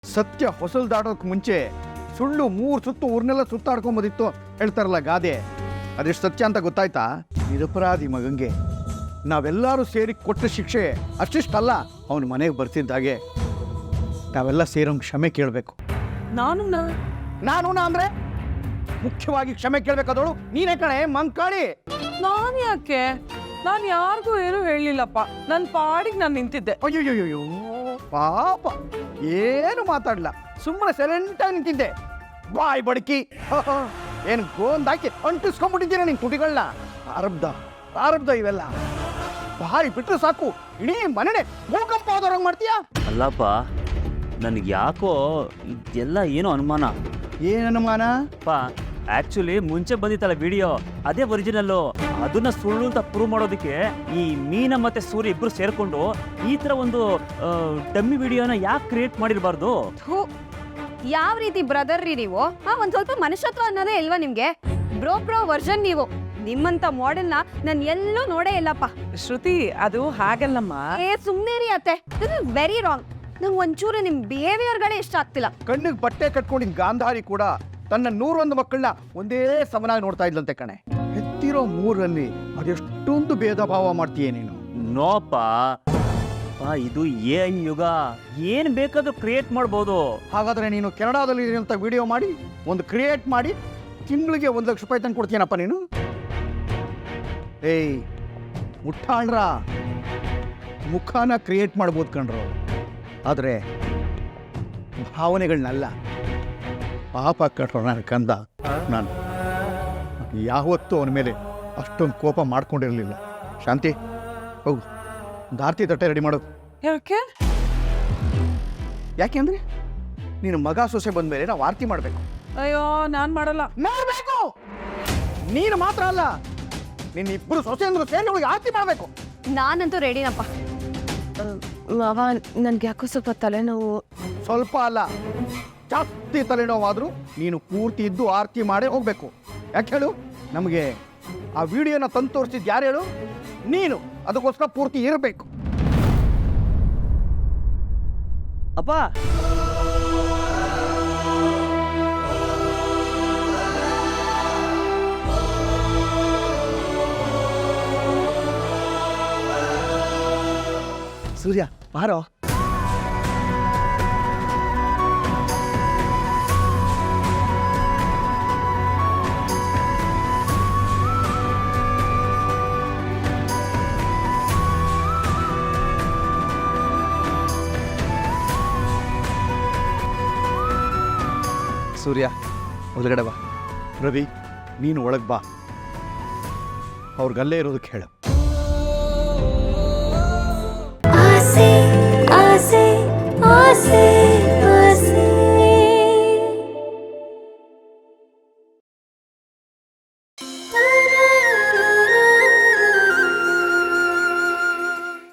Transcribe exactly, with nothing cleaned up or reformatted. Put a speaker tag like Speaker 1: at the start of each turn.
Speaker 1: ಸತ್ಯ ಹೊಸಲು ದಾಟೋಕೆ ಮುಂಚೆ ಸುಳ್ಳು ಮೂರು ಸುತ್ತು ಊರ್ನೆಲ್ಲ ಸುತ್ತಾಡ್ಕೊಂಬೋದಿತ್ತು ಹೇಳ್ತಾರಲ್ಲ ಗಾದೆ. ಅದೆಷ್ಟು ಸತ್ಯ ಅಂತ ಗೊತ್ತಾಯ್ತಾ? ನಿರಪರಾಧಿ ಮಗಂಗೆ ನಾವೆಲ್ಲರೂ ಸೇರಿ ಕೊಟ್ಟ ಶಿಕ್ಷೆ ಅಷ್ಟಿಷ್ಟಲ್ಲ, ಅವನ ಮನೆಗೆ ಬರ್ತಿದ್ದಾಗೆ ನಾವೆಲ್ಲ ಸೇರೋಂಗೆ ಕ್ಷಮೆ ಕೇಳಬೇಕು.
Speaker 2: ನಾನು
Speaker 1: ನಾನು ನಾ ಅಂದರೆ ಮುಖ್ಯವಾಗಿ ಕ್ಷಮೆ ಕೇಳಬೇಕಾದವಳು ನೀನೇ ಕಣೆ ಮಂಕಾಳಿ.
Speaker 2: ನಾನು ಯಾಕೆ? ನಾನು ಯಾರಿಗೂ ಏನು ಹೇಳಲಿಲ್ಲಪ್ಪ, ನನ್ನ ಪಾಡಿಗೆ ನಾನು ನಿಂತಿದ್ದೆ.
Speaker 1: ಅಯ್ಯೋಯ್ಯೋಯ್ಯೋ ಪಾಪ, ಏನು ಮಾತಾಡಲ್ಲ, ಸುಮ್ಮನೆ ಸೈಲೆಂಟಾಗಿ ನಿಂತಿದ್ದೆ. ಬಾಯ್ ಬಡಕಿ, ಏನು ಗೋಂದಾಕಿ ಅಂಟಿಸ್ಕೊಂಡ್ಬಿಟ್ಟಿದ್ದೀರ ನಿನ್ ತುಟಿಗಳನ್ನ. ಪ್ರಾರಬ್ಧ ಪ್ರಾರಬ್ಧ ಇವೆಲ್ಲ ಬಾಯಿ ಬಿಟ್ಟರೆ ಸಾಕು ಇಡೀ ಮನೆನೇ ಭೂಕಂಪ ಆದವ್ರಂಗೆ ಮಾಡ್ತೀಯಾ?
Speaker 3: ಅಲ್ಲಪ್ಪ, ನನಗೆ ಯಾಕೋ ಇದೆಲ್ಲ ಏನೋ ಅನುಮಾನ.
Speaker 1: ಏನು ಅನುಮಾನ?
Speaker 3: ಅಪ್ಪ ಆ್ಯಕ್ಚುಲಿ ಮುಂಚೆ ಬಂದಿತ್ತಲ್ಲ ವಿಡಿಯೋ, ಅದೇ ಒರಿಜಿನಲ್ಲು. ಅದನ್ನ ಸುಳ್ಳು ಅಂತ ಪ್ರೂವ್ ಮಾಡೋದಕ್ಕೆ ಈ ಮೀನ ಮತ್ತೆ ಸೂರ್ಯ ಇಬ್ರು ಸೇರ್ಕೊಂಡು ಈ ಥರ ಒಂದು ಡಮ್ಮಿ ವಿಡಿಯೋನ ಯಾಕೆ ಕ್ರಿಯೇಟ್ ಮಾಡಿರಬಾರ್ದು?
Speaker 4: ಯಾವ ರೀತಿ ಬ್ರದರ್ ರೀ ನೀವು? ಹಾ, ಒಂದ್ ಸ್ವಲ್ಪ ಮನುಷ್ಯತ್ವ ಅನ್ನೋದೇ ಇಲ್ವಾ ನಿಮ್ಗೆ? ಬ್ರೋ ಬ್ರೋ ವರ್ಷನ್ ನೀವು. ನಿಮ್ಮಂತ ಮಾಡೆಲ್ನ ನಾನು ಎಲ್ಲೂ ನೋಡೇ ಇಲ್ಲಪ್ಪ.
Speaker 2: ಶ್ರುತಿ, ಅದು ಹಾಗಲ್ಲಮ್ಮ.
Speaker 4: ಏ ಸುಮ್ನೆ ರೀ ಅತ್ತೆ, ದಿಸ್ ಇಸ್ ವೆರಿ ರಾಂಗ್. ನಂಗೆ ಒಂಚೂರು ನಿಮ್ ಬಿಹೇವಿಯರ್ಗಳೇ ಇಷ್ಟ ಆಗ್ತಿಲ್ಲ.
Speaker 1: ಕಣ್ಣಿಗೆ ಬಟ್ಟೆ ಕಟ್ಕೊಂಡಿದ್ದ ಗಾಂಧಾರಿ ಕೂಡ ತನ್ನ ನೂರೊಂದು ಮಕ್ಕಳನ್ನ ಒಂದೇ ಸಮನಾಗಿ ನೋಡ್ತಾ ಇದ್ಲಂತೆ ಕಣೆ. ಹೆತ್ತಿರೋ ಮೂರಲ್ಲಿ ಅದೆಷ್ಟೊಂದು ಭೇದ ಭಾವ ಮಾಡ್ತೀಯ ನೀನು?
Speaker 3: ನೋಪ, ಇದು ಎ ಐ ಯುಗ, ಏನ್ ಬೇಕಾದ್ರೂ ಕ್ರಿಯೇಟ್ ಮಾಡ್ಬೋದು.
Speaker 1: ಹಾಗಾದ್ರೆ ನೀನು ಕೆನಡಾದಲ್ಲಿ ಇರುವಂತ ವಿಡಿಯೋ ಮಾಡಿ ಒಂದು ಕ್ರಿಯೇಟ್ ಮಾಡಿ ತಿಂಗಳಿಗೆ ಒಂದು ಲಕ್ಷ ರೂಪಾಯಿ ತಂದು ಕೊಡ್ತೀನಪ್ಪ ನೀನು. ಏಯ್ ಮುಟ್ಟಾಳ್ರ, ಮುಖಾನ ಕ್ರಿಯೇಟ್ ಮಾಡ್ಬೋದು ಕಣ್ರು, ಆದರೆ ಭಾವನೆಗಳನ್ನಲ್ಲ. ಪಾಪ ಕಟ್ರೋ ನನ್ನ ಕಂದ, ನಾನು ಯಾವತ್ತೂ ಅವನ ಮೇಲೆ ಅಷ್ಟೊಂದು ಕೋಪ ಮಾಡ್ಕೊಂಡಿರಲಿಲ್ಲ. ಶಾಂತಿ, ಹೋಗು ದಾರ್ತಿ ತಟ್ಟೆ ರೆಡಿ ಮಾಡೋದು.
Speaker 2: ಯಾಕೆ?
Speaker 1: ಯಾಕೆಂದ್ರೆ ನೀನು ಮಗ ಸೊಸೆ ಬಂದ ಮೇಲೆ ನಾವು ಆರತಿ ಮಾಡಬೇಕು.
Speaker 2: ಅಯ್ಯೋ, ನಾನು ಮಾಡಲ್ಲ.
Speaker 1: ಮಾಡಬೇಕು. ನೀನು ಮಾತ್ರ ಅಲ್ಲ, ನಿನ್ನ ಇಬ್ಬರು ಸೊಸೆ ಅಂದ್ರೆ ಸೇರಿ ಅವಳಿಗೆ ಆರತಿ ಮಾಡಬೇಕು.
Speaker 4: ನಾನಂತೂ ರೆಡಿನಪ್ಪ.
Speaker 5: ಮಾವ, ನನ್ಗೆ ಯಾಕೋ ಸ್ವಲ್ಪ ತಲೆನೋವು.
Speaker 1: ಸ್ವಲ್ಪ ಅಲ್ಲ, ಜಾಸ್ತಿ ತಲೆನೋವಾದರೂ ನೀನು ಪೂರ್ತಿ ಇದ್ದು ಆರತಿ ಮಾಡೇ ಹೋಗ್ಬೇಕು. ಯಾಕೆ ಹೇಳು? ನಮಗೆ ಆ ವಿಡಿಯೋನ ತಂದು ತೋರಿಸಿದ್ದು ಯಾರು ಹೇಳು? ನೀನು. ಅದಕ್ಕೋಸ್ಕರ ಪೂರ್ತಿ ಇರಬೇಕು.
Speaker 3: ಅಪ್ಪ,
Speaker 1: ಸೂರ್ಯ ಬಾರೋ. ಸೂರ್ಯ ಒಳಗಡೆ ಬಾ. ರವಿ, ನೀನು ಒಳಗೆ ಬಾ. ಅವ್ರಿಗಲ್ಲೇ ಇರೋದಕ್ಕೆ ಹೇಳು.